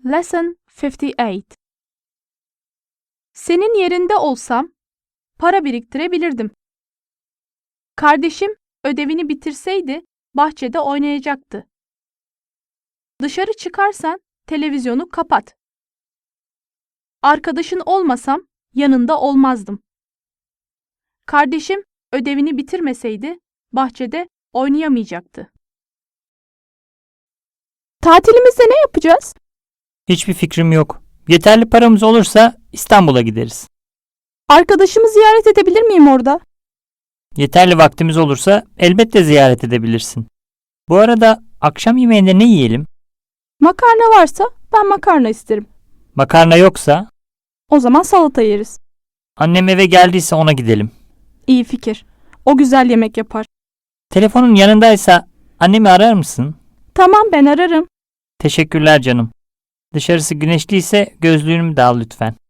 Lesson 58. Senin yerinde olsam para biriktirebilirdim. Kardeşim ödevini bitirseydi bahçede oynayacaktı. Dışarı çıkarsan televizyonu kapat. Arkadaşın olmasam yanında olmazdım. Kardeşim ödevini bitirmeseydi bahçede oynayamayacaktı. Tatilimizde ne yapacağız? Hiçbir fikrim yok. Yeterli paramız olursa İstanbul'a gideriz. Arkadaşımı ziyaret edebilir miyim orada? Yeterli vaktimiz olursa elbette ziyaret edebilirsin. Bu arada akşam yemeğinde ne yiyelim? Makarna varsa ben makarna isterim. Makarna yoksa? O zaman salata yeriz. Annem eve geldiyse ona gidelim. İyi fikir. O güzel yemek yapar. Telefonun yanındaysa annemi arar mısın? Tamam, ben ararım. Teşekkürler canım. Dışarısı güneşliyse gözlüğümü de al lütfen.